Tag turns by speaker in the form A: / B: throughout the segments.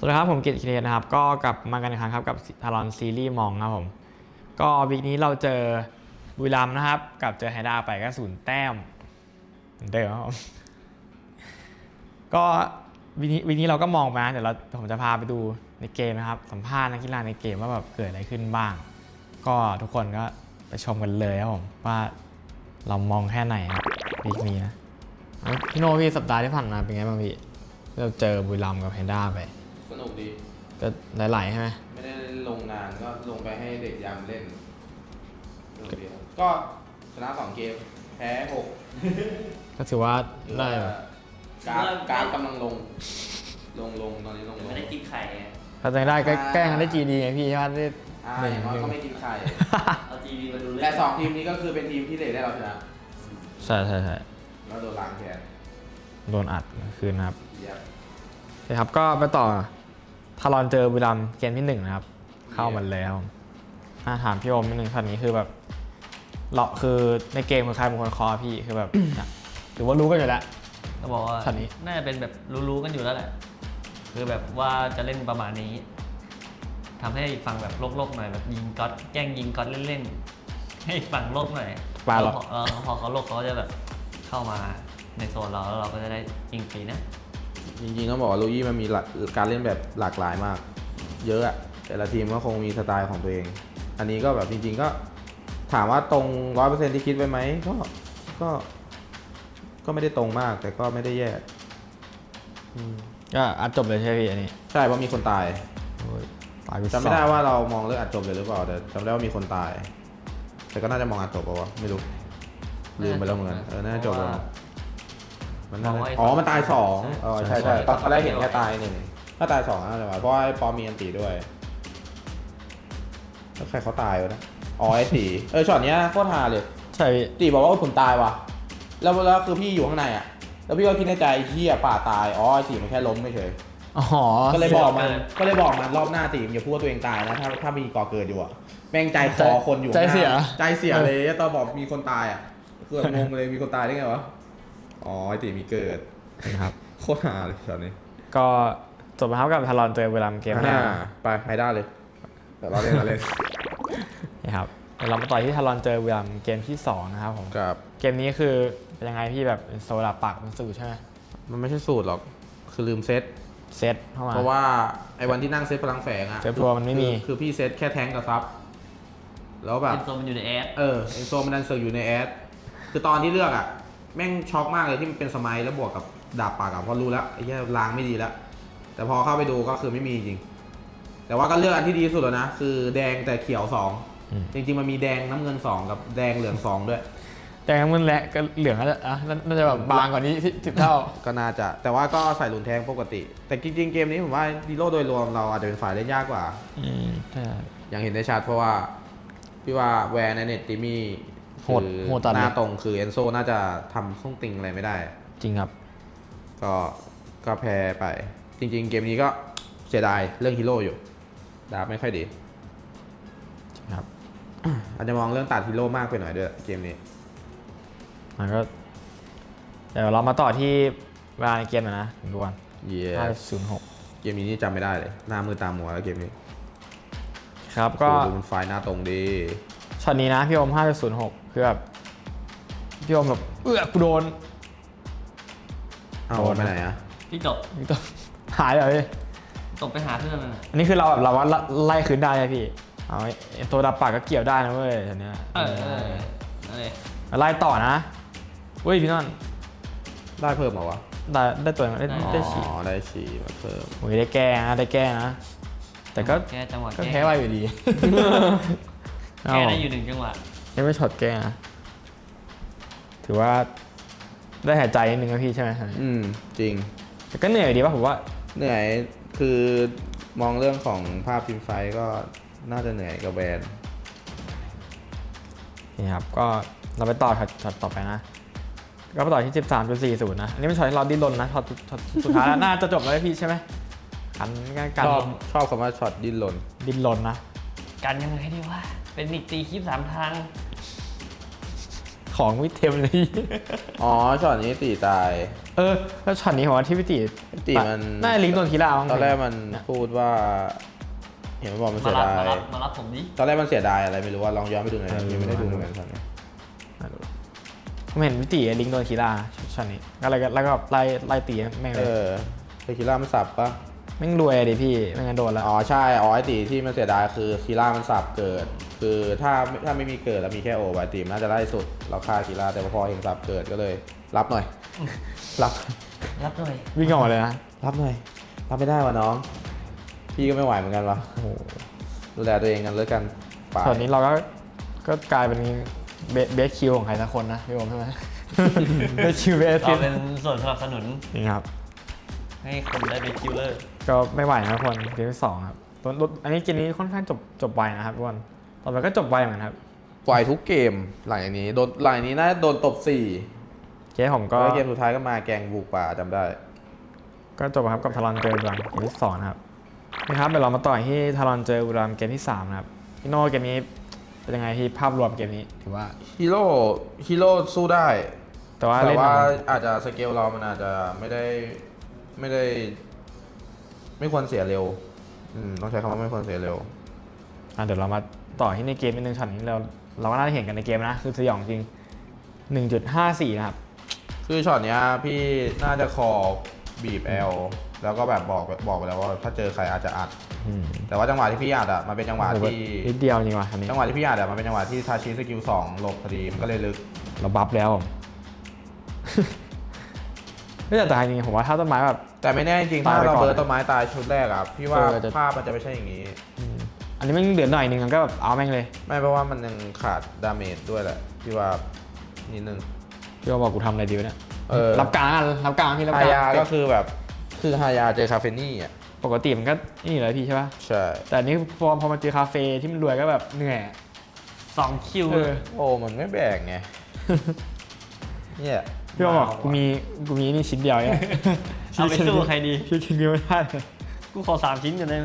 A: สวัสดีครับผมกิตคิเทนะครับก็กลับมากันอีกครั้งครับกับทารอนซีรีส์มองครับผมก็วีคนี้เราเจอบุรีรัมย์นะครับกับเจอไฮด้าไปก็0 แต้มเหมือนเดิมครับผมก็วีคนี้เราก็มองไปนะเดี๋ยวผมจะพาไปดูในเกมนะครับสัมภาษณ์นักกีฬาในเกมว่าแบบเกิดอะไรขึ้นบ้าง ก็ทุกคนก็ไปชมกันเลยครับผมว่าเรามองแค่ไหนครับวีคนี้นะพี่โนพี่สัปดาห์ที่ผ่านมาเป็นไงบ้างพี่เราเจอบุรีรัมย์กับไฮด้าไป
B: สนุกดี
A: ก็หลายๆใช่ไหม
B: ไม่ได้ลงนานก็ลงไปให้เด็กยามเล่นเดียวก็ชนะ2 เกมแพ้6
A: ก็ถือว่าได้
B: กราฟกำลังลงตอนนี้ลง
C: ไม่ได้กินไข่ไง
A: ถ้าจะได้ก็แกล้งกันได้จีดีไงพี่ใช่ไหมได้
B: อย่างน้อยก็ไม่กินไข่
C: เอาจีดีมาดูเลย
B: แต่2 ทีมนี้ก็คือเป็นทีมที่เด็กได้เราชนะ
A: ใช่
B: แล้วโดนล้างแค้น
A: โดนอัดคืนนะครับใช่ครับก็ไปต่อทารอนเจอบุรีรัมย์เกมที่1นะครับเข้ามาแล้วถามพี่โอมนิดนึงช็อตนี้คือแบบเราคือในเกมคือใครเป็นคนคอพี่คือแบบหรือว่ารู้กันอยู่แล้ว
C: ก็บอกว่า
A: ช็อตนี้
C: น่าจะเป็นแบบรู้กันอยู่แล้วแหละคือแบบว่าจะเล่นประมาณนี้ทำให้ฟังแบบโลกหน่อยแบบยิงก๊อตแกล้งยิงก๊อตเล่นๆให้ฟังโลกหน่อยพอเขาโลกเขาจะแบบเข้ามาในโซนเราแล้วเราก็จะได้ยิงฟรีนะ
B: จริงๆต้องบอกว่าลูยี่มันมีการเล่นแบบหลากหลายมากเยอะอะแต่ละทีมก็คงมีสไตล์ของตัวเองอันนี้ก็แบบจริงๆก็ถามว่าตรง 100% ที่คิดไว้ไหมก็ไม่ได้ตรงมากแต่ก็ไม่ได้แย่
A: ก็อัดจบเลยใช่พี่อันนี้
B: ใช่เพราะมีคนตายจำไม่ได้ว่าเรามองเรื่องอัดจบเลยหรือเปล่าแต่จำได้ว่ามีคนตายแต่ก็น่าจะมองอัดจบป่าวะไม่รู้ลืมไปแล้วเหมือนกันน่าจะจบแล้วมันตาย2ใช่ตอนแรกเห็นแค่ตาย1ถ้าตาย2น่าจะเพราะว่าปอมีอันตีด้วยแล้วใครเขาตายวะนะไอ้ตีช็อตเนี้ยโคตรฮาเลย
A: ใช่พี่
B: ตีบอกว่าผมตายว่ะแล้วคือพี่อยู่ข้างในอ่ะแล้วพี่ก็คิดในใจเฮียป่าตายไอ้ตีมันแค่ล้มไม่เฉยก็เลยบอกมันรอบหน้าตีมันอย่าพูดว่าตัวเองตายนะถ้ามีก่อเกิดอยู่อ่ะแม่งใจคอคนอยู่
A: ใจเสี
B: ยเลยตอนบอกมีคนตายอ่ะคืองงเลยมีคนตายได้ไงวะไอ้ตีมีเกิด
A: นะครับ
B: โคตรฮาเลยตอนนี้
A: ก็จบมาครับกับทารอนเจอบุรีรัมย์เกมแรก
B: ไปไฮด้าเลยแต่เราเล่น
A: นี่ครับเรามาต่อที่ทารอนเจอบุรีรัมย์เกมที่2นะครับผมเกมนี้คือเป็นยังไงพี่แบบโซดาปักมันสูตรใช่ไหม
B: มันไม่ใช่สูตรหรอกคือลืมเซต
A: เข้ามา
B: เพราะว่าไอ้วันที่นั่งเซตพลังแฝงอะ
A: เซตทัวร์มันไม่มี
B: คือพี่เซตแค่แทงกับซับแล้วแบบ
C: เอ็นโซมันอยู่ในแอด
B: เอ็นโซมันดันเสือกอยู่ในแอดคือตอนที่เลือกอะแม่งช็อกมากเลยที่มันเป็นสมัยแล้วบวกกับดาบปากอะพอรู้แล้วไอ้แค่ล้างไม่ดีแล้วแต่พอเข้าไปดูก็คือไม่มีจริงแต่ว่าก็เลือกอันที่ดีสุดแล้วนะคือแดงแต่เขียว2จริงๆมันมีแดงน้ำเงิน2กับแดงเหลือง2ด้วย
A: แดงน้ำเงินและก็เหลืองน่าจะแบบบางกว่านี้10 เท่า
B: ก็น่าจะแต่ว่าก็ใส่หลุนแทงปกติแต่จริงๆเกมนี้ผมว่าดีโร่โดยรวมเราอาจจะเป็นฝ่ายเล่นยากกว่าอย่างเห็นได้ชัดเพราะว่าพี่ว่าแวร์ในเน็ตติมี่
A: โหด
B: หน้าตรงคือเอนโซน่าจะทำส่งติงอะไรไม่ได้
A: จริงครับ
B: ก็แพ้ไปจริงๆเกมนี้ก็เสียดายเรื่องฮีโร่อยู่ดาบไม่ค่อยดี
A: ครับ
B: อาจจะมองเรื่องตัดฮีโร่มากไปหน่อยด้วยเกมนี้
A: มันก็เดี๋ยวเรามาต่อที่เวลาในเกมนะดูกัน5.06
B: เกมนี้นี่จำไม่ได้เลยหน้ามือตามัวแล้วเกมนี้
A: ครับก็
B: ดูมันไฟหน้าตรงดี
A: ช็อตนี้นะพี่โอม 5.06 คือแบบพี่โอมแบบกูโดน
B: ไปไหนอะ
C: พี่ตก
A: หายเลย
C: ตกไปหาเพื่อน
A: อันนี้คือเราแบบเราว่าไล่คืนได้ใช่พี่เอาตัวดับปากก็เกี่ยวได้นะเว้ยทีเนี้ยไล่ต่อนะเว้ยพี่นอน
B: ได้เพิ่มเหรอวะ
A: ได้ตัวได้ฉี่
B: ได้ฉี่มาเพิ่ม
A: โอ้ยได้แก้นะแต่ก็
C: แก้จังหวะ
A: ก็แพ้ไปอยู่ดี
C: แก้ได้อยู่1 จังหวะ
A: ยังไม่ช็อตแก้นะถือว่าได้หายใจนิดนึงนะพี่ใช่ไหม
B: จริง
A: แต่ก็เหนื่อยดีป่ะผมว่า
B: เหนื่อยคือมองเรื่องของภาพทีมไฟก็น่าจะเหนื่อยกับแบรนด์
A: นี่ครับก็เราไปต่อช็อตต่อไปนะก็ไปต่อที่ 13.40 นะอันนี้เป็นช็อตที่เราดิ้นรนนะช็อตสุดท้ายแล้วน่าจะจบแล้วพี่ใช่ไหมกัน
B: ชอบคำว่าช็อตดิ้นรน
A: นะ
C: กันยังไงดีวะเป็นอีกตีคลิป3 ทาง
A: ของไม่เต็มเลย
B: อ๋อช็อตนี้ตีตาย
A: แล้วช็อตนี้ผมว่าที่พี่ติ
B: ตีมัน
A: น่าจะลิงก์โดนคีราบ้าง
B: ตอนแรกมันพูดว่า เห็นมันบอกมัน
C: มา
B: เสีย
C: รับ
B: ดาย
C: มารับผมดิ
B: ตอนแรกมันเสียดายอะไรไม่รู้ว่าลองย้อนไปดูหน่อยยังไม่ได้ดูเหมือนกันตอนนี้
A: ผมเห็นพี่ติลิงก์โดนคีราช็อตนี้แล้วก็ไล่ตีแม่งเลย
B: เทคิล่ามันสับปะ
A: แม่งรวยดิพี่ไม่งั้นโดนแล้ว
B: อ๋อใช่อ๋อไอตีที่มันเสียดายคือคีล่ามันสับเกิด คือถ้าไม่มีเกิดแล้วมีแค่โอไอตีมน่าจะไล่สุดเราฆ่าคีล่าแต่พอเห็นสับเกิดก็เลย รับหน่อย รับ
C: รับหน่อย
A: วิ่งออกมาเลยนะ
B: รับหน่อยรับไม่ได้วะน้อง พี่ก็ไม่ไหวเหมือนกันวะ
A: โอ้โห
B: ดูแลตัวเองกันเลยกันไป
A: ช็อตนี้เราก็กลายเป็นเบสคิวของใครสักคนนะพี่ผมใช่ไหม เบสคิวเบส
C: เราเป็นส่วนสนับสนุน
A: นี่ครับ
C: ให้คนได้เป็นคิวเลอร์
A: ก็ไม่ไหวนะทุกคนเกมที่ 2ครับอันนี้เกมนี้ค่อนข้างจบไวนะครับทุกคนต่อไปก็จบไวเหมือนกันครับ
B: ปล่อยทุกเกมหลังจากนี้หลังจากนี้น่าจะโดนตบ4
A: เกมผม
B: ก็
A: ก็
B: เกมสุดท้ายก็มาแกงบุกป่าจำได้
A: ก็จบครับกับทารอนเจอบุรีรัมย์เกมที่ 2 นะครับนี่ครับเดี๋ยวเรามาต่อที่ทารอนเจอบุรีรัมย์เกมที่ 3 นะครับพี่โน่เกมนี้เป็นยังไงที่ภาพรวมเกมนี้ถือว่า
B: ฮีโร่สู้ได้
A: แต่ว่า
B: แต่
A: เล่น
B: ว่าอาจจะสเกลเรามันอาจจะไม่ควรเสียเร็วต้องใช้คำว่าไม่ควรเสียเร็ว
A: เดี๋ยวเรามาต่อที่ในเกมนิดนึงช็อตนี้เราก็น่าจะเห็นกันในเกมนะคือสยองจริง 1.54 นะครับ
B: คือช็อตเนี้ยพี่น่าจะคอบีบ L แล้วก็แบบบอกไปแล้วว่าถ้าเจอใครอาจจะอัด แต่ว่าจังหวะที่พี่อัดมันเป็นจังหวะที่
A: นิดเดียวจริงว่ะอันนี้
B: จังหวะที่พี่อัดมันเป็นจังหวะที่ทาชิสกิล2หลบพอดีมันก็เลยลึก
A: เราบัฟแล้วผม ไม่แต่จริงๆผมว่าถ้าต้นไม้แบบ
B: แต่ไม่แน่จริงๆถ้า
A: ตายไป
B: เรา
A: ก่อน
B: เบิร์ตต้นไม้ตายชุดแรกอะพี่ว่า
A: จะ
B: ภาพมันจะไม่ใช่อย่างนี้
A: อันนี้มันเดือดหน่อยนึงมันก็แบบเอาแม่งเลย
B: ไม่เพราะว่ามันยังขาดดาเมจด้วยแหละพี่ว่านิดนึง
A: พี่ว่าบอกกูทำอะไรดีวะเนี่ย รับกลางพี่รับ
B: ฮาก
A: ลาง
B: ยาก็คือแบบคือฮายาเจอคาเฟนี่อ่ะ
A: ปกติมันก็นี่เลยพี่ใช่ป่ะ
B: ใช่
A: แต่อันนี้พอมาเจอคาเฟ่ที่มันรวยก็แบบเหนื่อย
C: 2 คิว
B: โอ้มันไม่แบ่งไง เนี่ย
A: พี่ว่าบอกกูมีนี่ชิ้นเดียวเนี่ย
C: เอาไปสู้ใครดี
A: ชิ้นเดียวไม่ได้เลย
C: กูขอ3 ชิ้นกันได้ไหม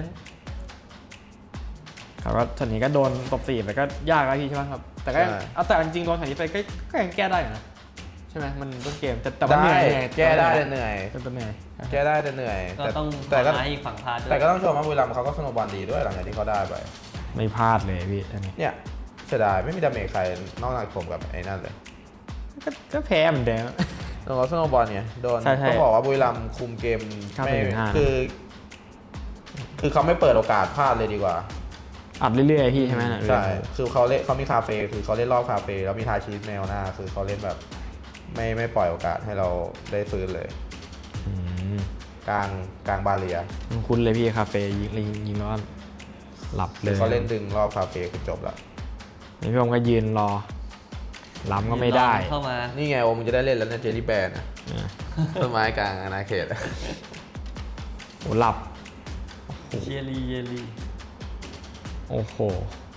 A: ครับก็ช็อตนี้ก็โดนตบ4ไปก็ยากแล้วพี่ใช่ไหมครับแต่ก็เอาแต่จริงๆโดนช็อตนี้ไปก็ยังแก้ได้อยู่นะใช่ไหมมันต้นเกมแต่ว่าเหนื่อย
B: แก้ได้แต่เหนื่อย
A: แต่เหนื่อย
B: แก้ได้แต่เหนื่อย
C: ก็ต้อง
B: แต่ก็
C: ทำให้อีกฝั่งพลาดด้วย
B: แต่ก็ต้องชมว่าบุรีรัมย์เขาก็สโนว์บอลดีด้วยหลังจากที่เขาได้ไป
A: ไม่พลาดเลยพี่อันนี้
B: เนี่ยเสียดายไม่มีดาเมจใครนอกจากผมกับไอ้นั่นเลย
A: ก็แพ้เหมือนเดิม
B: โดนเขาสโนว์บอลไงโดน
A: ใช่ๆ
B: ต้องบอกว่าบุรีรัมย์คุมเกม
A: เข้าไป
B: ไม่
A: ถึง5
B: คือเขาไม่เปิดโอกาสพลาดเลยดีกว่า
A: อัดเรื่อยๆพี่ใช่ไหมน่ะ
B: ใช่ คือเขามีคาเฟ่คือเขาเล่นรอบคาเฟ่แล้วมีทาชีสแนวหน้า คือเขาเล่นแบบไม่ปล่อยโอกาสให้เราได้ฟื้นเลย
A: อืม
B: กลางบาเรีย
A: คุ้นเลยพี่คาเฟ่ยิงแล้วก็หลับเล
B: คือย เขาเล่นดึงรอบคาเฟ่คือจบละ
A: นี่พี่ผมก็ยืนรอล้ำก็ไม่ได้
C: เข้ามา
B: นี่ไงโอมึงจะได้เล่นแล้วเนี่ยเจลลี่แบนอะ
A: เนี่ย
B: ต้นไม้กลางอาณาเขตอะ
A: โอ้หลับ
C: เยลี
A: โอ้โห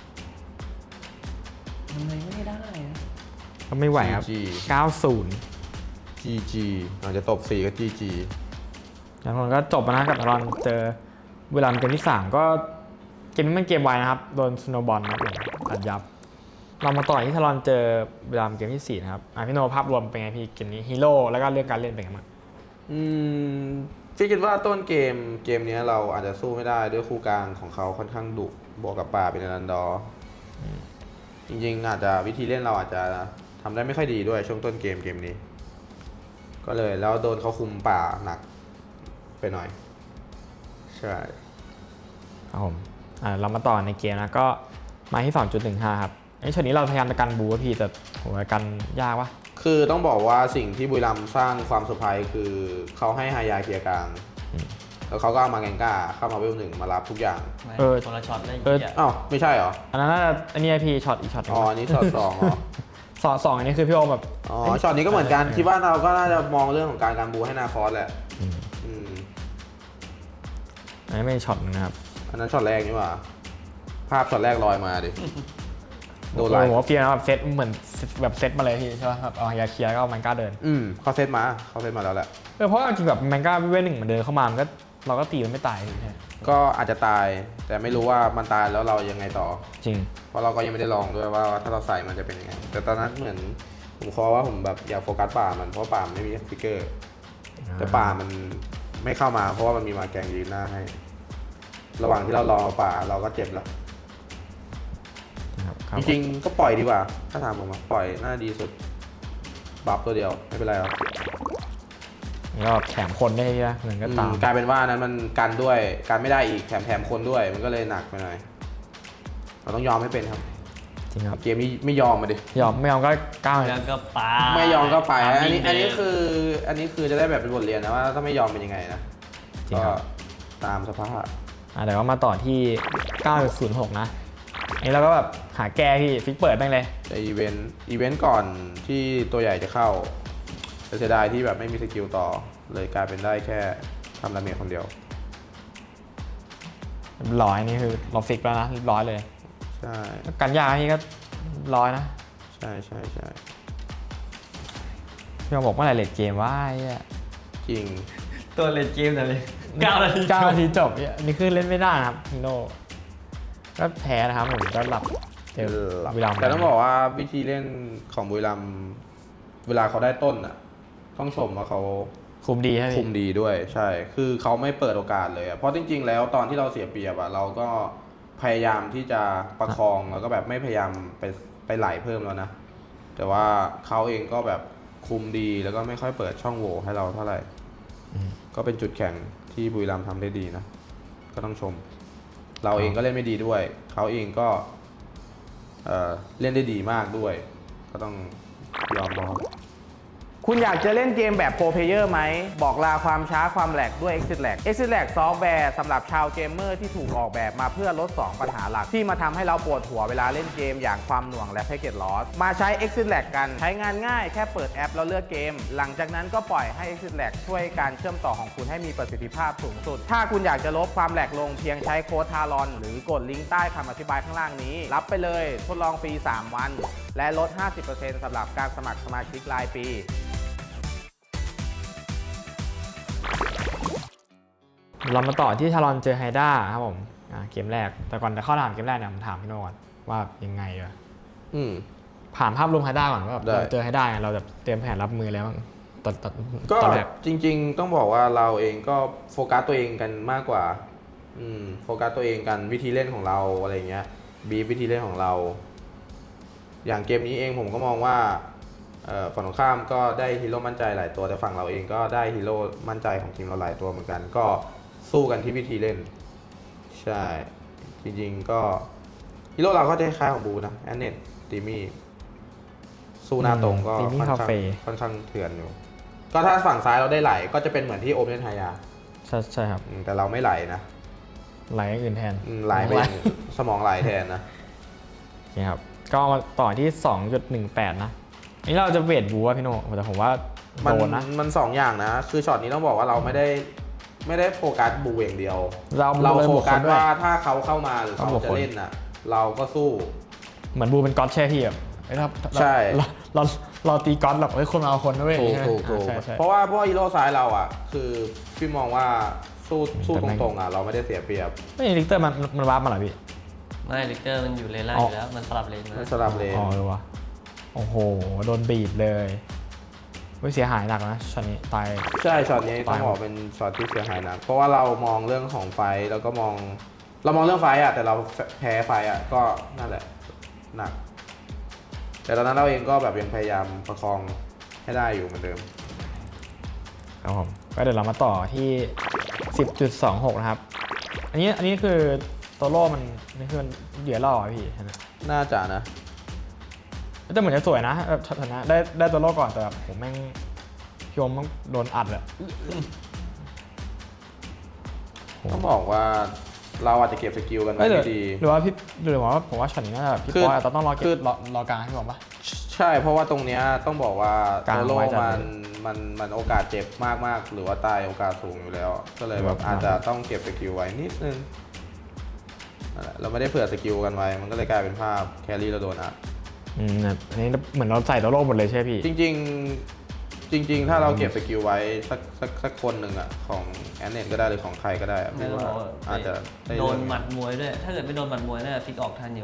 C: ทำไมไม่ได้นะ
A: ก็ไม่ไหวครับ 90
B: GG อาจจะตบ4ก็ GG
A: แล้วคนก็จบนะกับตอนเจอเวลาเกมที่ 3 ก็เกมนี้มันเกมไวนะครับโดนสโนว์บอลนะครับผมอัดยับ เรามาต่อที่ทารอนเจอเวลาเกมที่ 4 นะครับพี่โนภาพรวมเป็นไงพี่เกมนี้ฮีโร่แล้วก็เรื่องการเล่นเป็นไงบ้าง
B: พี่คิดว่าต้นเกมนี้เราอาจจะสู้ไม่ได้ด้วยคู่กลางของเขาค่อนข้างดุบวกกับป่าเป็นอนันดอร์จริงๆอาจจะวิธีเล่นเราอาจจะทำได้ไม่ค่อยดีด้วยช่วงต้นเกมนี้ ก็เลยแล้วโดนเขาคุมป่าหนักไปหน่อย ใช่
A: ครับผมเรามาต่อในเกมนะก็มาที่ 2.15 ครับไอ้ช็อตนี้เราพยายามจะกันบูอะพี่แต่โหกันยากวะ
B: คือต้องบอกว่าสิ่งที่บุรีรัมย์สร้างความเซอร์ไพรส์คือเขาให้ฮายาเคลียร์กลาง แล้วเขาก็เอามาแกงก้าเข้ามาเวล1มารับทุกอย่าง
C: คนละช็อตเลย
B: อ้าวไม่ใช่เหรอ
A: อันนั้นน่าจะอันนี้พี่ช็อตอีกช็อตหนึ่ง
B: อ๋ออันนี้ช็อต2เหรอ
A: สองอันนี้คือพี่โอมแบบ
B: อ๋อช็อตนี้ก็เหมือนกันคิดว่าเราก็น่าจะมองเรื่องของการบูให้นาคอสแหละอืม
A: อันนี้ไม่ใช่ช็อตหนึงนะครับ
B: อันนั้นช็อตแรกนี่หว่าภาพช็อตแรกลอยมาดิโดนไล่
A: ผมว่าเฟียร์นะแบบเซตเหมือนแบบเซตมาเลยพี่ใช่ป่ะแบบเอายาเคลียร์ก็เอามันกล้าเดิน
B: เขาเซตมาแล้วแหละ
A: เพราะจริงแบบมันกล้าเว้นหนึ่งมันเดินเข้ามามันก็เราก็ตีมันไม่ตายใช่
B: ก็อาจจะตายแต่ไม่รู้ว่ามันตายแล้วเรายังไงต่อ
A: จริง
B: เพราะเราก็ยังไม่ได้ลองด้วยว่าถ้าเราใส่มันจะเป็นยังไงแต่ตอนนั้นเหมือนผมขอว่าผมแบบอยากโฟกัสป่ามันเพราะป่ามันไม่มีฟิกเกอร์ แต่ป่ามันไม่เข้ามาเพราะว่ามันมีมาแกงยืนหน้าให้ ระหว่างที่เรารอป่าเราก็เจ็บแล้ว
A: ครับ
B: จริงๆก็ปล่อยดีกว่า ถ้าถามผมปล่อยน่าดีสุดบัฟตัวเดียวไม่เป็นไรหรอก
A: แล้วแถมคนได้ใช่ไหมเงินก็ตาม
B: กลายเป็นว่านั้นมันกันด้วยกันไม่ได้อีกแถมคนด้วยมันก็เลยหนักไปหน่อยเราต้องยอมให้เป็นครับ
A: จริงครับ
B: เกมนี้ไม่ยอมมาดิ
A: ไม่ยอมก็ก้าว
C: แล้วก็ปา
B: ไม่ยอมก็ไป
C: ตาม
B: อันนี้
C: เดิม
B: คือจะได้แบบเป็นบทเรียนนะว่าถ้าไม่ยอมเป็นยังไงนะ
A: จริง
B: ก็
A: ครับ
B: ตามสภาพ
A: แต่ว่ามาต่อที่ 9.06 นะอันนี้เราก็แบบหาแก้พี่ฟิกเปิดแม่งเลย
B: แต่อีเวนต์ก่อนที่ตัวใหญ่จะเข้าแต่เสียดายที่แบบไม่มีสกิลต่อเลยกลายเป็นได้แค่ทำดาเมจคนเดียว
A: เรียบร้อยนี่คือเราฟิกแล้วนะเรียบร้อยเลย
B: ใช่
A: กันยากนี่ก็ร้อยนะ
B: ใช่ใช่ใช่
A: พี่มาบอกเมื่อไหร่เลทเกมว่าไอ้เหี้ย
B: จริง
C: ตัวเล่นเกมเลย9 นาที
A: 9 นาทีจบเนี่ยนี่คือเล่นไม่ได้นะครับฮีโร่ก็แพ้นะครับผมก็หลับเจอบุรีรัมย์
B: แต่ต้องบอกว่าวิธีเล่นของบุรีรัมย์เวลาเขาได้ต้นอ่ะต้องชมว่าเขา
A: คุมดีใช่ไหม
B: คุมดีด้วยใช่ คือเขาไม่เปิดโอกาสเลยอะเพราะจริงๆแล้วตอนที่เราเสียเปรียบอะเราก็พยายามที่จะประคองแล้วก็แบบไม่พยายามไปไหลเพิ่มแล้วนะ แต่ว่าเขาเองก็แบบคุมดีแล้วก็ไม่ค่อยเปิดช่องโหว่ให้เราเท่าไหร่ ก็เป็นจุดแข็งที่บุรีรัมย์ทำได้ดีนะ ก็ต้องชม เราเองก็เล่นไม่ดีด้วย เขาเองก็เล่นได้ดีมากด้วย ก็ต้องยอมรับ
D: คุณอยากจะเล่นเกมแบบโปรเพลเยอร์ไหม บอกลาความช้าความแหลกด้วย Exit Lag Exit Lag ซอฟต์แวร์สำหรับชาวเกมเมอร์ที่ถูกออกแบบมาเพื่อลด 2 ปัญหาหลัก ที่มาทำให้เราปวดหัวเวลาเล่นเกมอย่างความหน่วงและ Packet Loss มาใช้ Exit Lag กันใช้งานง่ายแค่เปิดแอปแล้วเลือกเกม หลังจากนั้นก็ปล่อยให้ Exit Lag ช่วยการเชื่อมต่อของคุณให้มีประสิทธิภาพสูงสุด ถ้าคุณอยากจะลดความแหลกลงเพียงใช้โค้ดทารอนหรือกดลิงก์ใต้คำอธิบายข้างล่างนี้ รับไปเลยทดลองฟรี 3 วัน และลด 50% สำหรับการสมัครสมาชิกรายปี
A: เรามาต่อที่ชารอนเจอไฮด้าครับผมเกมแรกแต่ก่อนจะเข้าถามเกมแรกเนี่ยผมถามพี่โน่ก่อนว่ายังไงวะ
B: อืม
A: ผ่านภาพรวมไฮด้าก่อนว่าแบบ
B: ได้
A: เราเจอไฮด้าเนี่ยเราจะเตรียมแผนรับมือแล้วบ้างตอน
B: ก็
A: ตอนแรก
B: จริงๆต้องบอกว่าเราเองก็โฟกัสตัวเองกันมากกว่าโฟกัสตัวเองกันวิธีเล่นของเราอะไรเงี้ยบีวิธีเล่นของเรา อย่างเกมนี้เองผมก็มองว่าฝั่งตรงข้ามก็ได้ฮีโร่มั่นใจหลายตัวแต่ฝั่งเราเองก็ได้ฮีโร่มั่นใจของทีมเราหลายตัวเหมือนกัน ก็สู้กันที่วิธีเล่นใช่จริงๆก็ฮีโร่เราก็จะคล้ายของบูนะแอนเนตตีมี่สู้หน้าตรงก็
A: ตีมี่คาเฟ่
B: ค่อนข้างเถื่อนอยู่ ก็ถ้าฝั่งซ้ายเราได้ไหลก็จะเป็นเหมือนที่โอมเล่นไฮยา
A: ใช่ครับ
B: แต่เราไม่ไหลนะ
A: ไหลอย่างอื่นแทน
B: ไหลไปอย่างสมองไหลแทนนะ
A: โอเคครับก็มาต่อที่ 2.18 นะอันนี้เราจะเวทบูว่าพี่โน่แต่ผมว่าโดนนะ
B: มันสองอย่างนะ คือช็อตนี้ต้องบอกว่าเราไม่ได้โฟกัสบูอย่างเดียว
A: เรา
B: โฟกัส
A: ด้วย
B: ว่าถ้าเขาเข้ามาหรือเขา
A: เขาบวก
B: จะ
A: คน
B: เล่นน่ะ เราก็สู้
A: เหมือนบูเป็นก๊อตแช่พี่แบบเอ้ยถ้า
B: ใช่
A: เราตีก๊อตแบบเฮ้ยคนมาเอาคนด้วย
B: ถูก
A: ใช่ไหม
B: ถูก
A: ใช่ใช่
B: เพราะว่าฮีโร่ซ้ายเราอ่ะ คือพี่มองว่าสู้
A: แต่
B: ต
A: แม่ง
B: รงๆอ่ะเราไม่ได้เสียเปรียบ
A: ไม่ลิกเตอร์มันวาร์ปมาเหรอพี่
C: ไม่ลิกเตอร์มันอยู่เลนล่าง
A: อ๋
C: อ
A: อ
C: ยู่แล้วมันสลับเลน
B: ไม่
C: มา
B: สลับเลน
A: อ๋อเลยวะโอ้โหโดนบีบเลยเฮ้ยเสียหายหนักนะช็อตนี้ตาย
B: ใช่ช็อตนี้ต้องบอกเป็นช็อตที่เสียหายหนักเพราะว่าเรามองเรื่องของไฟแล้วก็เรามองเรื่องไฟอ่ะแต่เราแพ้ไฟอ่ะก็นั่นแหละหนัก แต่ตอนนั้นเราเองก็แบบยังพยายามประคองให้ได้อยู่เหมือนเดิม
A: ครับผมก็เดี๋ยวเรามาต่อที่ 10.26 นะครับอันนี้คือตัวโล่มันนี่คือมันเหยื่อล่ออะพี่ใช่ไหม
B: น่าจะนะ
A: แต่เหมือนจะสวยนะแบบชนะได้ตัวโล่ก่อนแต่แบบผมแม่งพี่โอมมันโดนอัดเลย
B: ต้องบอกว่าเราอาจจะเก็บสกิลกันไว้
A: ไม่
B: ไม่ดี
A: หรือว่าผมว่าช็อตนี้น่าจะแบบพี่
B: คือ
A: ปอยอาจจะต้องรอเก็
B: คื
A: บ
B: อ
A: รอกลางให้ผมปะ
B: ใช่เพราะว่าตรงเนี้ยต้องบอกว่าก
A: ลาง
B: โซโล่
A: ไว้จัด
B: มันโอกาสเจ็บมากๆหรือว่าตายโอกาสสูงอยู่แล้ว ก็เลยแบบอาจจะต้องเก็บสกิลไว้นิดนึงนั่นแหละเราไม่ได้เผื่อสกิลกันไว้มันก็เลยกลายเป็นภาพแครี่เราโดนอัด
A: แบบอันนี้เหมือนเราใส่ตัวโล่หมดเลยใช่ไหมพี่
B: จริง ๆ ถ้าเราเก็บสกิลไว้สักคนหนึ่งอ่ะของแอนเนตก็ได้หรือของใครก็ได้อะ
C: ไม่
B: พี่
C: ต้อง
B: ว่า
C: บอกว่า
B: อาจจะได้
C: โดนหมัดมวยด้วย ถ้าเกิดไม่โดนหมัดมวยน่าจะฟิกออกทันอยู่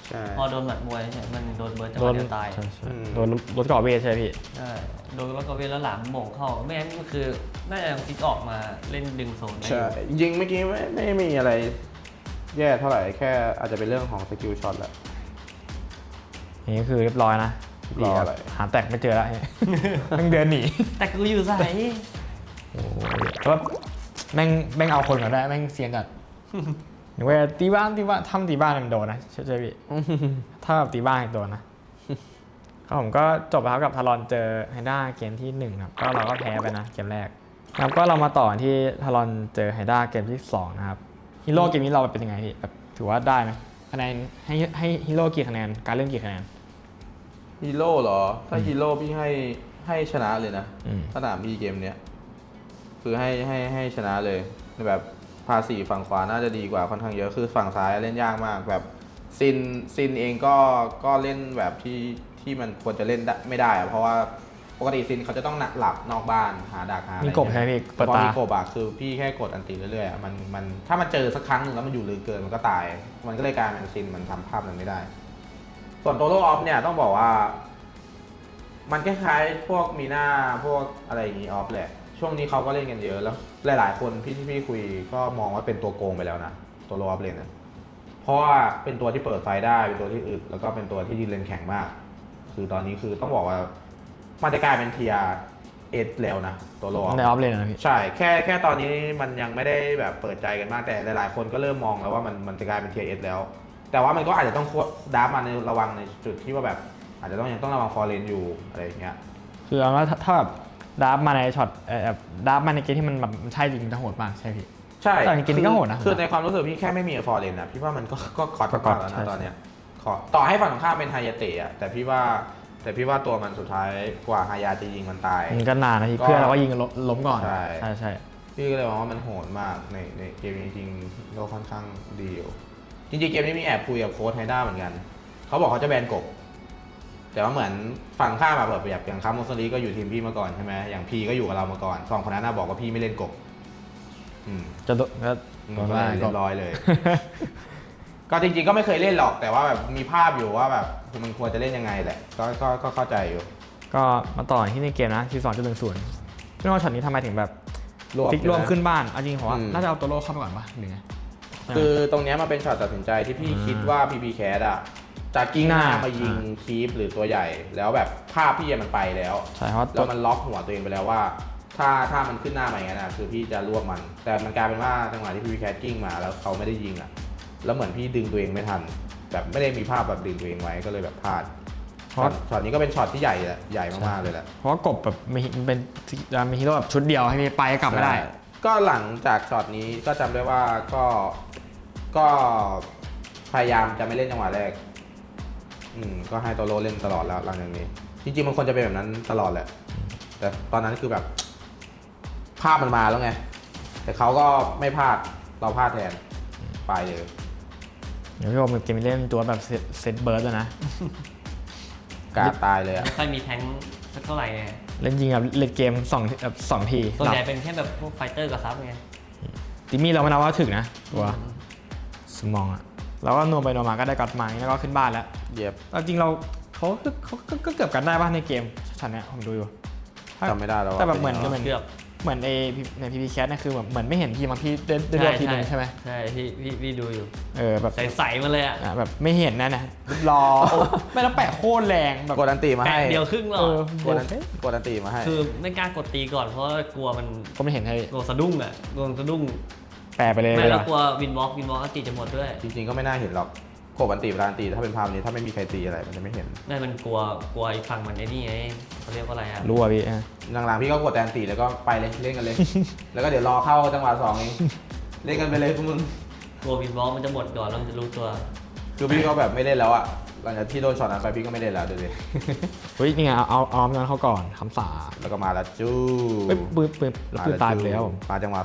B: ใช่
C: พอโดนหมัดมวยใช่มันโดนเบิร์ดจะ
A: โด
C: มาน เดียวตาย
A: ใช่โดนรถเกาะเวทใช่ไหมพี่
C: ใช่โดนแล้วก็เวลาหลามโหม่งเข้าไม่งั้นก็คือน่าจะยังพลิกออกมาเล่นดึงโซนได้อ
B: ใช่
C: ยู่
B: จริงๆเมื่อกี้ไม่มีอะไรแย่เท่าไหร่แค่อาจจะเป็นเรื่องของสกิลช็อตแหละ
A: นี่คือเรียบร้อยนะ
B: รออะไร
A: หาแตกไม่เจอแล้วต้องเดินหนี
C: แต่กูอยู่ใส่
A: โอ้ยแต่ว่าแม่งเอาคนก่อนได้แม่งเซียนจัดหรือว่าตีบ้านทำตีบ้านมันโดนนะใช่พี่ถ้าแบบตีบ้านโดนนะครับผมก็จบแล้วครับกับทารอนเจอไฮด้าเกมที่1ครับก็เราก็แพ้ไปนะเกมแรกครับก็เรามาต่อที่ทารอนเจอไฮด้าเกมที่2นะครับฮีโร่เกมนี้เราเป็นยังไงพี่แบบถือว่าได้ไหมคะแนนให้ฮีโร่กี่คะแนนการเล่นกี่คะแนน
B: ฮีโร่เหรอถ้าฮีโร่พี่ให้ชนะเลยนะ
A: อืม
B: สนามพี่เกมเนี้ยคือให้ชนะเลยแบบภาษีฝั่งขวาน่าจะดีกว่าค่อนข้างเยอะคือฝั่งซ้ายเล่นยากมากแบบซินเองก็เล่นแบบที่มันควรจะเล่นได้ไม่ได้อะเพราะว่าปกติซินเขาจะต้องหลับนอกบ้านหาดักหาอะไร
A: มีกบใช่ไหมพี่
B: แต่พอ
A: เปิดตา
B: มีกบอะคือพี่แค่กดอันตีเรื่อยๆอะมันถ้ามันเจอสักครั้งหนึ่งแล้วมันอยู่ลึกเกินมันก็ตาย มันก็เลยกลายเป็นซินมันทำภาพนั้นไม่ได้ ส่วนโตโร่ออฟเนี่ยต้องบอกว่า มันคล้ายๆพวกมีหน้าพวกอะไรอย่างนี้ออฟแหละช่วงนี้เขาก็เล่นกันเยอะแล้วหลายๆคนพี่คุยก็มองว่าเป็นตัวโกงไปแล้วนะตัวโลออฟเลนนะเพราะว่าเป็นตัวที่เปิดไฟได้เป็นตัวที่อึดแล้วก็เป็นตัวที่ยืนเลนแข็งมาก คือตอนนี้คือต้องบอกว่ามันจะกลายเป็นเทียเอสแล้วนะตัวโลออฟ
A: ในออฟเลนนะพี่
B: ใช่แค่ตอนนี้มันยังไม่ได้แบบเปิดใจกันมากแต่หลายๆคนก็เริ่มมองแล้วว่ามันจะกลายเป็นเทียเอสแล้ว แต่ว่ามันก็อาจจะต้องดับมาในระวังในจุดที่ว่าแบบอาจจะยังต้องระวังฟอร์เรนอยู่อะไรอย่างเงี้ย
A: คือเอาว่าถ้าแบบดับมาในช็อตแบบดับมาในเกมที่มันแบบใช่จริงมันจะโหดมากใช่พี่
B: ใช่
A: แต่ในเกมนี้ก็โหดนะ
B: คือในความรู้สึกพี่แค่ไม่มีฟอร์เรนนะพี่ว่ามันก็คอร์ด
A: ก็
B: มากแล้ว
A: ใช่
B: นะตอนเนี้ยต่อให้ฝั่งตรงข้ามเป็นไฮยาเตะอะแต่พี่ว่าตัวมันสุดท้ายกว่าไฮยาจะยิงมันตาย
A: มันก็นานนะพี่
B: ก็
A: เพื่อนเราก็ยิงล้มก่อน
B: ใช่
A: ใช่
B: พี่ก็เลยมองว่ามันโหดมากในเกมนี้จริงๆก็ค่อนข้างดีอยู่จริงๆเกมนี้มีแอบคุยกับโค้ชไฮด้าเหมือนกันเขาบอกเขาจะแบนกบแต่ว่าเหมือนฝั่งข้ามมาแบบอย่างคาร์โมสลีก็อยู่ทีมพี่มาก่อนใช่ไหมอย่างพี่ก็อยู่กับเรามาก่อนสองคนนั้นน่ะบอกว่าพี่ไม่เล่นกบ
A: จะโดน
B: ก็เรียบร้อยเลย ก็จริงๆก็ไม่เคยเล่นหรอกแต่ว่าแบบมีภาพอยู่ว่าแบบมันควรจะเล่นยังไงแหละก็เข้าใจอยู่
A: ก็มาต่อที่ในเกมนะที่2.10พี่น้องช็อตนี้ทำไมถึงแบบ
B: รวม
A: พลิกรวมขึ้นบ้านเอาจริงผมว่า
B: อืม
A: น่าจะเอาตัวโลเข้ามาก่อนปะหรือไง
B: คือตรงเนี้ยมันเป็นช็อตตัดสินใจที่พี่คิดว่า PP Cat อ่ะจะกิ้งหน้ามายิงคีปหรือตัวใหญ่ แล้วแบบภาพพี่มันไปแล้ว
A: ใช่เพราะ
B: แล้วมันล็อกหัวตัวเองไปแล้วว่า ถ้ามันขึ้นหน้ามาอย่างนั้นนะคือพี่จะรวบมัน แต่มันกลายเป็นว่าจังหวะที่ PP Cat กิ้งมาแล้วเขาไม่ได้ยิงอ่ะแล้วเหมือนพี่ดึงตัวเองไม่ทัน แบบไม่ได้มีภาพแบบดึงตัวเองไว้ก็เลยแบบพลาดช็อตนี้ก็เป็นช็อตที่ใหญ่มากๆเลยแหละ
A: เพราะว่ากบแบบมันเป็นมีฮีโร่แบบชุดเดียวให้ไปกลับไม่ได้
B: ก็หลังจากช็อตนี้ก็จำได้ว่าก็พยายามจะไม่เล่นจังหวะแรกก็ให้โตโร่เล่นตลอดแล้วหลังจากนี้ จริงๆมันควรจะเป็นแบบนั้นตลอดแหละ แต่ตอนนั้นคือแบบ ภาพมันมาแล้วไง แต่เขาก็ไม่พลาดเราพลาดแทนไปเลย
A: เดี๋ยวพี่บอกเกมเล่นตัวแบบเซตเบิร์ดแล้วนะ
B: กาดตายเลยอะ
C: ไม่ค่อยมีแทงค์สักเท่าไหร่ไง
A: เล่นจริงแบบเล่นเกม2 ที
C: ส่วนใหญ่เป็นแค่แบบพวกไฟเตอร์กับซับไง
A: ติมี่เราไม่นับว่าถึงนะตัวสมองอะเราก็นัวไปนัวมาก็ได้กอดไม้แล้วก็ขึ้นบ้านแล้ว
B: เย็บ
A: จริงเราเขาก็เกือบกันได้ป่ะในเกมชันเนี้ยผมดูอยู่
B: จำไม่ได้แล้วว่า
A: แต่แบบเหมือน
C: เกือบ
A: เหมือนในพีพีแคสเนี่ยคือแบบเหมือนไม่เห็นทีมพี่ได้ดูทีนึงใช่ไหม
C: ใช่พี่ดูอยู่
A: แบบ
C: ใสๆมาเลยอ่ะ
A: แบบไม่เห็นนะเนี่ยรอไม่แล้วแปะโคตรแรงแบบ
B: กดอันตีมา
C: แปะ
B: ให้
C: เดียวครึ่งหรอ
B: กดอันตีมาให้
C: คือไม่กล้ากดตีก่อนเพราะกลัวมัน
A: ก็ไม่เห็นให้
C: กลัวสะดุ้งอ่ะกลัวสะดุ้ง
A: แปะไปเลย
C: ไม่แล้วกลัววินวอล์กอันตีจะหมดด้วย
B: จริงๆก็ไม่น่าเห็นหรอกกดอันตีเวลาอันตีถ้าเป็นภาพนี้ถ้าไม่มีใครตีอะไรมันจะไม่เห็น
C: ไม่มันกลัวอีกฝั่งมันไอ้นี่ไงเขาเรียกว่าอะไรอ่ะ
A: รู้อ่ะพี่
B: หลังๆพี่ก็กดแต่อันตีแล้วก็ไปเลยเล่นกันเลย แล้วก็เดี๋ยวรอเข้าจังหวะ2เองเล่นกันไปเลยพวกมึง
C: กลัววินวอล์กมันจะหมดก่อนแล้วมันจะรู้ตัว
B: คือพี่ก็แบบไม่เล่นแล้วอะหลังจากที่โดนช็อตนั้นไปพี่ก็ไม่เล่นแล้วเดี๋ยว
A: เฮ้ยนี่ไงเอานั้นเขาก่อนคำสา
B: แล้วก็มาแล้วจู้
A: ปืนตายไปแล้ว
B: มาจังหวะ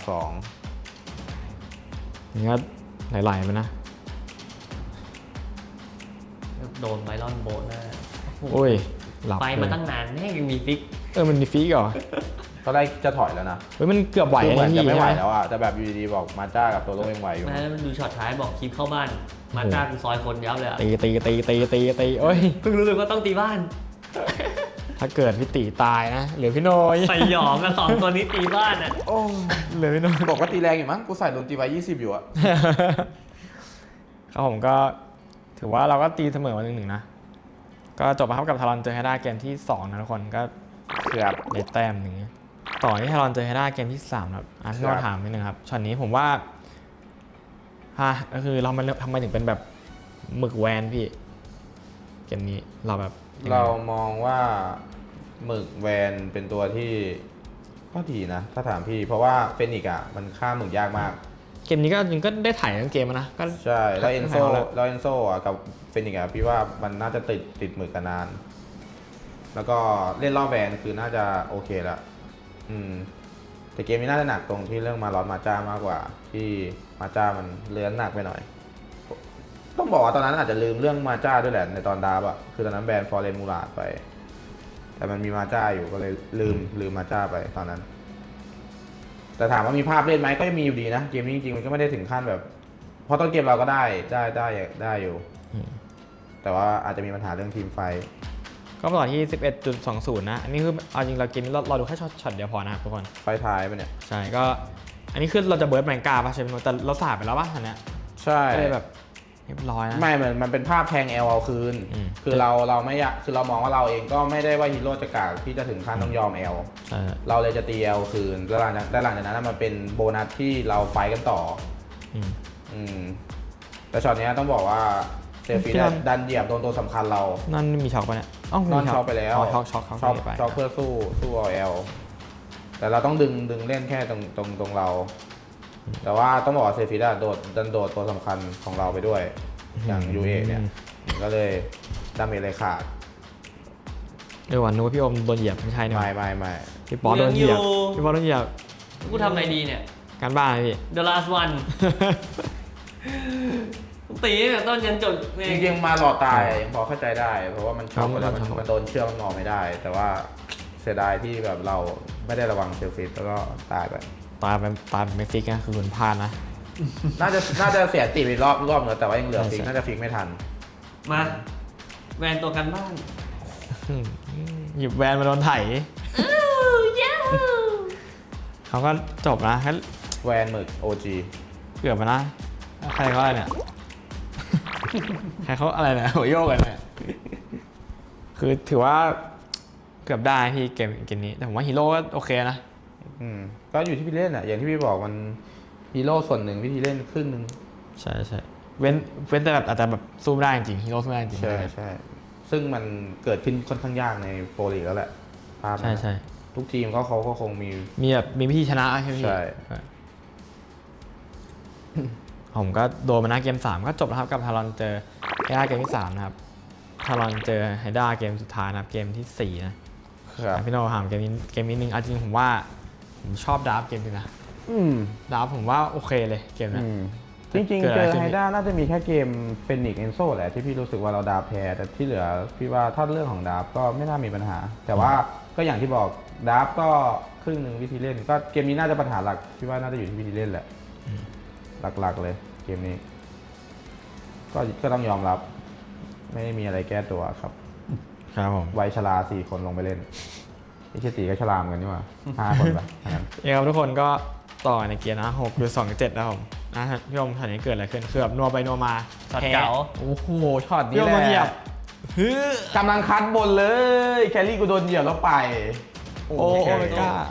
A: นี่ก็ไหลๆไปนะ
C: โดนไบรอนโบนหน้า
A: โอ้ยหลับ
C: ไป
A: เล
C: มาย ตั้งนานแม่งยังมีฟิก
A: มันมีฟีกเหรอ
B: ตอนแรกจะถอยแล้วนะ
A: เฮ้ยมันเกือบไหว
B: คือเหมือน
A: พี่
B: จะไม่ไหว
A: ใช่ไหม
B: แล้วอะแต่แบบอยู่ดีๆบอกมาจ้ากับตัวโลกยังไหวอยู่
C: แม่มันดูช็อตท้ายบอกคลิปเข้าบ้าน มาจ้ากูซอยคนยับเลยอะ
A: ตีโอ้ย
C: เพิ่งรู้เลยว่าต้องตีบ้าน
A: ถ้าเกิดพี่ตีตายนะเหลือพี่โนย
C: ใส่หยองกัน2 ตัวนี้ตีบ้านอ่ะ
B: โอ้
A: เหลือพี่โนย
B: บอกว่าตีแรงอยู่มั้งกูใส่โดนตีไว้20อยู่อะ
A: ครับผมก็ถือว่าเราก็ตีเสมอมา1-1นะก็จบมาครับกับทารอนเจอไฮด้าเกมที่2นะทุกคนก็
B: เกือบ
A: ได้แต้มหนึ่งต่อที่ทารอนเจอไฮด้าเกมที่3ครับพี่ก็ถามนิดนึงครับช็อตนี้ผมว่าก็คือเรามันทำไมถึงเป็นแบบหมึกแวนพี่เกมนี้เราแบบ
B: เรามองว่าหมึกแวนเป็นตัวที่ก็ดีนะ ถ้าถามพี่เพราะว่าเฟนิกซ์อะมันฆ่าหมึกยากมาก
A: เกมนี้ก็ยังก็ได้ถ่ายทั้งเกมนะก็
B: ใช่แล้วเอนโซ
A: ถ่ายแล้ว
B: แล้วเอนโซอะกับเฟนิกซ์อะพี่ว่ามันน่าจะติดหมึกกันนาน แล้วก็เล่นรอบแวนคือน่าจะโอเคละแต่เกมนี้น่าจะหนักตรงที่เรื่องมาลอสมาจ้ามากกว่า ที่มาจ้ามันเลื้อนหนักไปหน่อย ต้องบอกว่าตอนนั้นอาจจะลืมเรื่องมาจ้าด้วยแหละในตอนดาบอะคือตอนนั้นแบนฟอร์เรนมูราดไป แต่มันมีมาจ้าอยู่ก็เลยลืมมาจ้าไปตอนนั้น แต่ถามว่ามีภาพเล่นไหมก็ยังมีอยู่ดีนะเกมนี้จริงๆมันก็ไม่ได้ถึงขั้นแบบเพราะต้นเกมเราก็ได้อยู่ แต่ว่าอาจจะมีปัญหาเรื่องทีมไฟ
A: ก็ต่อที่ 11.20 นะอันนี้คือเอาจริงเราเกมนี้เราดูแค่ช็อตเดียวพอนะครับทุกคน
B: ไฟท้ายไปเนี่ย
A: ใช่ก็อันนี้คือเราจะเบิร์ดแมงกาป่ะใช่ไหมแต่เราสาดไปแล้วป่ะอันเนี้ย
B: ใช่
A: ก็เลยแบบเรียบร้อยนะ
B: ไม่เหมือนมันเป็นภาพแทงเอลเอาคืน คือเราไม่อยากคือเรามองว่าเราเองก็ไม่ได้ว่าฮีโร่จะกากที่จะถึงขั้นต้องยอมเอล
A: ใช่
B: เราเลยจะตีเอลคืนแล้วหลังจากนั้นมันเป็นโบนัสที่เราไฟกันต่อ แต่ช็อตนี้ต้องบอกว่าเซฟีดันเหยียบโดนตัวสำคัญเรา
A: นั่นมีช็อกปะเนี่ยอ้าวน
B: อนช็อกไปแล้ว
A: ช็อก
B: ช็อกเพื่อสู้เอาเอลแต่เราต้องดึงเล่นแค่ตรงเรา แต่ว่าต้องบอกว่าเซฟีดันโดดตัวสำคัญของเราไปด้วย อย่างยูเอเนี่ยก็เลยดาเมจเลยขาด
A: วันนู้นพี่อมโดนเหยียบไม่ใช่เนี่ย
B: ไม่
A: พี่ป๊อโดนเหยียบพี่ป๊อโดนเหยียบ
C: กูทำอะไรดีเนี่ย
A: การบ้านพี่
C: The last one ตีเนี่ยต้นยันจบ
B: จริงๆมาหลอดตายยังพอเข้าใจได้ เพราะว่ามันช็อกไปแล้วมันโดนเชือกมันมองไม่ได้ แต่ว่าเสียดายที่แบบเราไม่ได้ระวังเซลฟิตแล้วก็ตายไป
A: ตายเป็นไม่ฟิกนะคือคุณพลาดนะ
B: น่าจะเสียตีไปรอบนึงแต่ว่ายังเหลือฟิกน่าจะฟิกไม่ทัน
C: มาแวนตัวกันบ้าน
A: หยิบแวนมาโดนไถเขาก็จบนะแค่
B: แวนหมึก OG
A: เกือบมานะใครเขาอะไรเนี่ย ใครเขาอะไรเนี่ยหัวโยกกันเนี่ยคือถือว่าเกือบได้พี่เกมนี้แต่ผมว่าฮีโร่ก็โอเคนะ
B: ก็อยู่ที่พี่เล่นอ่ะอย่างที่พี่บอกมันฮีโร่ส่วนหนึ่งวิธีเล่นครึ่งหนึ่ง
A: ใช่เว้นแต่แบบอาจจะแบบสู้ไม่ได้จริงฮีโร่สู้ไม่ได้จริง
B: ใช่ซึ่งมันเกิดขึ้นค่อนข้างยากในโปรลีกแล้วแหละภาพนั้น
A: ใช่
B: ทุกทีมเขาก็คงมี
A: แบบมีวิธีชนะใช่ไหมพี่
B: ใช่
A: ผมก็โดนมานะเกม3ก็จบแล้วครับกับทารอนเจอไฮด้าเกมที่3นะครับทารอนเจอไฮด้าเกมสุดท้ายนะครับเกมที่4นะครับ พี่โน้ถามเกมนี้นึงจริงผมว่าผมชอบดราฟเกมนี้นะดราฟผมว่าโอเคเลยเกมนี้
B: จริงๆเจอไฮด้าน่าจะมีแค่เกมเป็นนิกเอนโซแหละที่พี่รู้สึกว่าเราดาบแพ้แต่ที่เหลือพี่ว่าถ้าเรื่องของดาบก็ไม่น่ามีปัญหา แต่ว่าก็อย่างที่บอกดาบก็ครึ่งหนึ่งวิธีเล่นก็เกมนี้น่าจะปัญหาหลักพี่ว่าน่าจะอยู่ที่วิธีเล่นแหละหลักๆเลยเกมนี้ก็ต้องยอมรับไม่ได้มีอะไรแก้ตัวครับ
A: ครับผม
B: วัยชรา4 คนลงไปเล่นไอ้เชตีก็ชรามกันนี่หว่า5 คนไปงั้น
A: ครับทุกคนก็ต่อในเกียร์นะ6หรือ2-7นะครับผมพี่อมช็อตนี้เกิดอะไรขึ้นคือแบบนัวไปนัวมา
C: ช็อตเก๋า
B: โอ้โหช็อตนี้
A: พี่อม
B: แห
A: โดนเหยีย
B: ละ
A: บ
B: กำลังคัดบนเลยแคลรี่กูโดนเหยียบแล้วไป
A: โอ้ไม่กล้า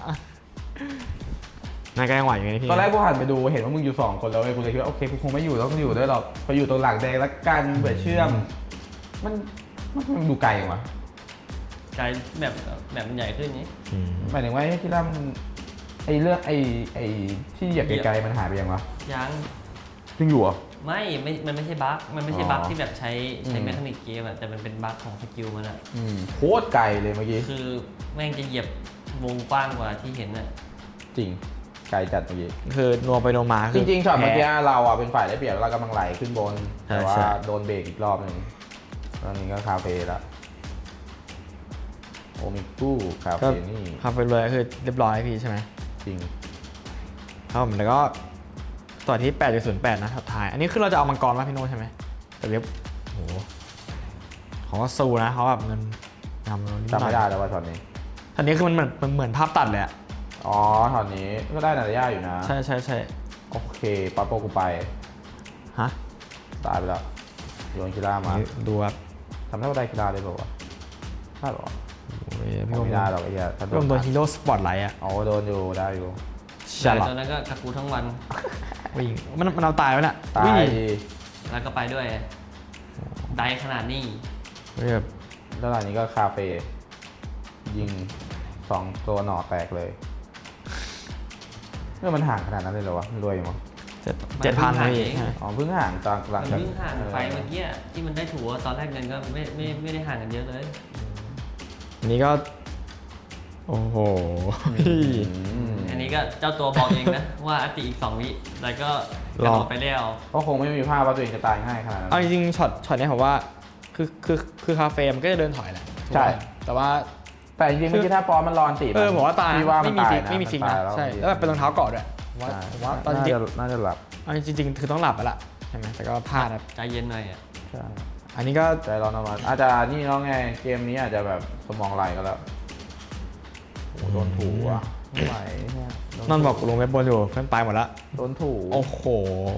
A: นายก็ยังไหวอยู่ไงพี่
B: ตอนแรกกูหันไปดูเห็นว่ามึงอยู่2 คนแล้วเว้ยกูเลยคิดว่าโอเคกูคงไม่อยู่แล้วกูอยู่ด้วยหรอกพออยู่ตรงหลังแดงแล้วกันเบื่อเชื่อมมันดูไกลวะ
C: กลายแบบมันใหญ่ขึ้นนี้
B: หมายถึงว่าที่ล่ามันไอ้เรื่องไอ้ที่เหยียบไกลๆมันหายไปยังวะ
C: ยัง
B: ยังอยู่อ่ะ
C: มันไม่ใช่บั๊กมันไม่ใช่บั๊ก
B: อ๋อ
C: ที่แบบใช้แมคานิกเกมอะแต่มันเป็นบั๊กของสกิลมันอะ
B: โคตรไกลเลยเมื่อกี้
C: คือแม่งจะเหยียบวงกว้างกว่าที่เห็นอะ
B: จริงไกลจัดเมื่อกี้
A: คือนัวไปนัวมา
B: จริงๆช็อตเมื่อกี้เราอ่ะเป็นฝ่ายได้เปรียบแล้วเรากำลังไหลขึ้นบน
A: ใช่
B: แต่ว่า
A: ใช่
B: โดนเบรกอีกรอบหนึ่งตอนนี้ก็คาเฟ่แล้วโอมิกุคา
A: ก็
B: เฟนี่
A: คาเฟ่เลยคือเรียบร้อยพี่ใช่ไหม
B: จริง
A: ครับผมแล้วก็ต่อที่ 8.08 นะสุดท้ายอันนี้คือเราจะเอามังกรมาพี่โน้ใช่ไหมแต่เว็บโหเขาก็สู้นะเขาแบบเงินนำเรานิดห
B: จำ
A: น่อ
B: ไม่
A: ย
B: ได้แล้วว่าช็อตนี้
A: อันนี้คือมันเหมือนภาพตัดเลยอะ
B: อ๋อช็อตนี้ก็ได้นาฬิกาอยู่นะ
A: ใช่ใช่ใช่
B: โอเคปั๊บโปกูไป
A: ฮะ
B: ตายไปแล้วโยนกีฬามา
A: ดูครับ
B: ทำได้ว่าได้กีฬาเลยเปล่าวะได้หรอ
A: โอ้ยพี่
B: ไม่
A: โอม
B: ได้หรอกไอ้เหี้ยถ้า
A: พี่โอมโดนฮีโร่สปอตไลท์อะ
B: อ๋อโดนอยู่ได้อยู่
A: ฉลาด
C: ตอนนั้นก็กักกูทั้งวัน
A: วิ่งมันเอาตายไว้น่ะ
B: ตา
A: วิ่ง
B: ยดี
C: แล้วก็ไปด้วยได้ขนาดนี้
A: แบบ
B: แล้วหลังนี้ก็คาเฟ่ยิง2ตัวหน่อแตกเลยเมื่อมันห่างขนาดนั้นเลยเหรอวะรวยอยู่มั้ง
A: 7,000นะพี่
B: อ๋อเพิ่งห่างจากหลัง
C: มัน
B: จาก
C: เพิ่งห่างไฟเมื่อกี้ที่มันได้ถูตอนแรกเงินก็ไม่ได้ห่างกันเยอะเลย
A: อันนี้ก็ โอ้โห
C: อันนี้ก็เจ้าตัวบอกเองนะ ว่าอติอีก2 วิแล้วก็กระโดดไปแล้ว
B: ก็คงไม่มีภาพว่าตัวเองจะตายง่ายขนาดนั้น
A: เอาจริงๆช็อตนี้ผมว่าคือคาเฟ่มันก็จะเดินถอยแหละ
B: ใช่
A: แต่ว่า
B: แต่จริงๆเมื่อกี้ถ้าปอมันรอนตี
A: ผมว่าตาย
B: พี่ว่า
A: ไม่
B: มัน
A: มี
B: ตาย
A: ฟิก
B: นะ
A: ไม่มีฟิกนะ
B: ตาย
A: ใช่แล้วแบบเป็นรองเท้าเกาะด้วยผมว่าตอนจริง
B: น่าจะหลับ
A: ๆเอาจริงๆคือต้องหลับแล้วล่ะใช่ไหมแต่ก็พลาดครับ
C: ใจเย็นหน่อยอ่ะ
B: ใช่
A: อันนี้ก็
B: ใจร้อนเอามาอาจจะนี่น้องไงเกมนี้อาจจะแบบสมองไหลก็แล้วโอ้โหโดนถูอ่ะไม่ไหวเนี่ยโด
A: นอนบอกลงเว็บบนอยู่เพื่อนไปหมดละ
B: โดนถู
A: โอ้โห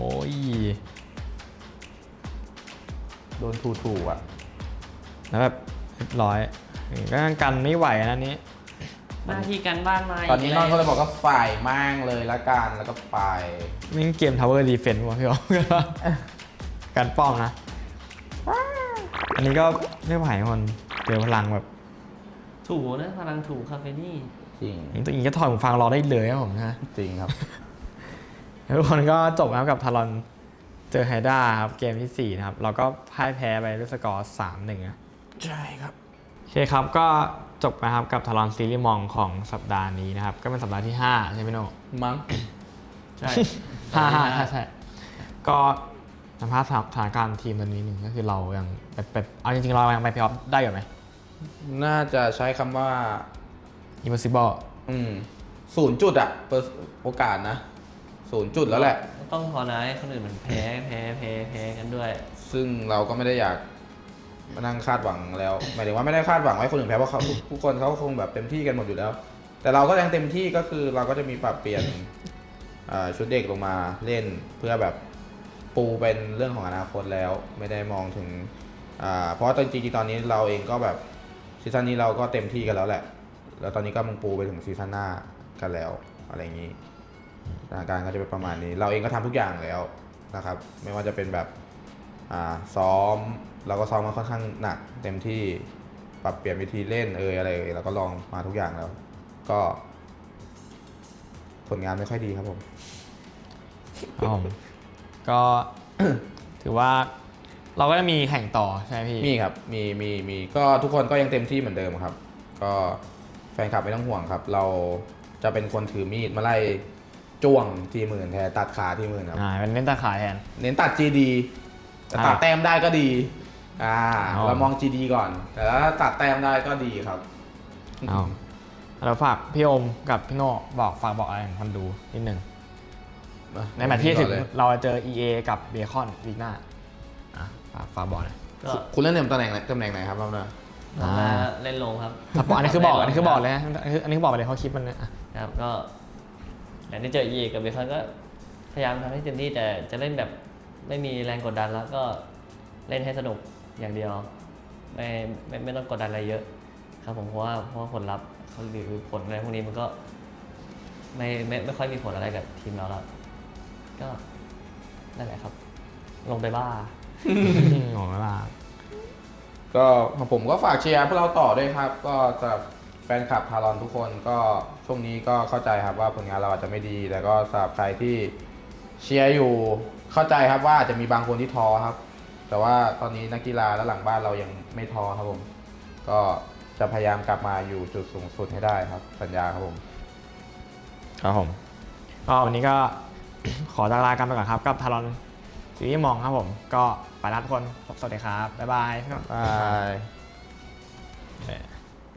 B: โดนถูอ่ะ
A: แล้วแบบเรียบร้อยก็กันไม่ไหวนะนี้
C: หน้าที่การบ้านมา
B: ตอนนี้น้องก็เลยบอกก็ฝ่ายมั่งเลยละกันแล้วก็ไป
A: มิ่งเกม Tower Defense ว่ะพี่อ๋อการป้องนะ อันนี้ก็ไม่ไหวคนเจอพลังแบบ
C: ถูนะพลังถูคาเฟนี่
B: จริง
A: อย่างตัวเองก็ถอดหูฟังรอได้เลยครับผมนะ
B: จริงครับ
A: แล้วทุกคนก็จบนะครับกับทารอนเจอไฮด้าครับเกมที่ 4 นะครับ เราก็พ่ายแพ้ไปด้วยสกอร์ 3-1นะ
B: ใช่ครับ
A: โอเคครับก็จบนะครับกับทารอนซีรีส์มองของสัปดาห์นี้นะครับ ก็เป็นสัปดาห์ที่ 5 ใช่ไหมโน่
B: มั้ง
C: ใช่
A: ใช่ ก็สัมภาษณ์สถานการณ์ทีมตอนนี้หนึ่งก็คือเรายังแบบเอาจริงๆเรายังไปเพลย์ออฟได้อยู่ไหม
B: น่าจะใช้คำว่า
A: impossible
B: 0 จุดอะโอกาสนะ0 จุดแล้วแหละ
C: ต้องพอนะให้คนอื่นมันแพ้กันด้วย
B: ซึ่งเราก็ไม่ได้อยากมานั่งคาดหวังแล้วหมายถึงว่าไม่ได้คาดหวังให้คนอื่นแพ้เพราะเขาทุกคนเขาคงแบบเต็มที่กันหมดอยู่แล้ว แต่เราก็ยังเต็มที่ก็คือเราก็จะมีปรับเปลี่ยนชุดเด็กลงมาเล่นเพื่อแบบปูเป็นเรื่องของอนาคตแล้วไม่ได้มองถึงเพราะจริงๆตอนนี้เราเองก็แบบซีซั่นนี้เราก็เต็มที่กันแล้วแหละแล้วตอนนี้ก็มึงปูไปถึงซีซั่นหน้ากันแล้วอะไรอย่างนี้สถานการณ์ก็จะเป็นประมาณนี้เราเองก็ทำทุกอย่างแล้วนะครับไม่ว่าจะเป็นแบบซ้อมเราก็ซ้อมมาค่อนข้างหนักเต็มที่ปรับเปลี่ยนวิธีเล่นอะไรเราก็ลองมาทุกอย่างแล้ว ก็ผลงานไม่ค่อยดีครับผม
A: ครับผมก็ ถือว่าเราก็จะมีแข่งต่อใช่ไหมพี่
B: มีครับมีก็ทุกคนก็ยังเต็มที่เหมือนเดิมครับ ก็แฟนคลับไม่ต้องห่วงครับ เราจะเป็นคนถือมีดมาไล่จ้วงทีมอื่นแทนตัดขาทีมอื่นครับ
A: เป็นเล่นตาขายแทน
B: เน้นตัด GD แต่ตัดแต้มได้ก็ดีเรามอง GD ก่อน แต่ถ้าตัดแต้มได้ก็ดีครับ
A: เอาเราฝากพี่โอมกับพี่โน่ฝากบอกอะไรของคนดูนิดนึงในแมตช์ที่ถึงเราจะเจอ EA กับเบคอนวีคหน้าฝากบอกหน่อย
C: ก็
B: คุณเล่นตำแหน่งไหนครับรอบหน้า
C: ผมมาเล่นลงครับ
A: อันนี้คือบอกเลยนะอันนี้คือบอกไปเลยเขาคลิปมันเนี่ย
C: ครับก็อย่างที่เจอเอกับเบคอนก็พยายามทำให้เต็มที่แต่จะเล่นแบบไม่มีแรงกดดันแล้วก็เล่นให้สนุกอย่างเดียวไม่ต้องกดดันอะไรเยอะครับผมเพราะว่าผลลัพธ์เขาหรือผลอะไรพวกนี้มันก็ไม่ค่อยมีผลอะไรกับทีมเราแล้วก็นั่นแหละครับ ลงไปบ้า
A: งงแล้วล่ะ
B: ก็ผมก็ฝากเชียร์พวกเราต่อด้วยครับ ก็จะแฟนคลับทารอนทุกคนก็ช่วงนี้ก็เข้าใจครับว่าผลงานเราอาจจะไม่ดี แต่ก็สำหรับใครที่เชียร์อยู่เข้าใจครับว่าอาจจะมีบางคนที่ท้อครับ แต่ว่าตอนนี้นักกีฬาและหลังบ้านเรายังไม่ท้อครับผมก็จะพยายามกลับมาอยู่จุดสูงสุดให้ได้ครับสัญญาครับผม
A: ครับผมก็วันนี้ก็ ขอลากันไปก่อนครับกับทารอนซีรีส์มองครับผมก็ไปแล้วทุกคนสวัสดีครับบ๊ายบาย
B: บาย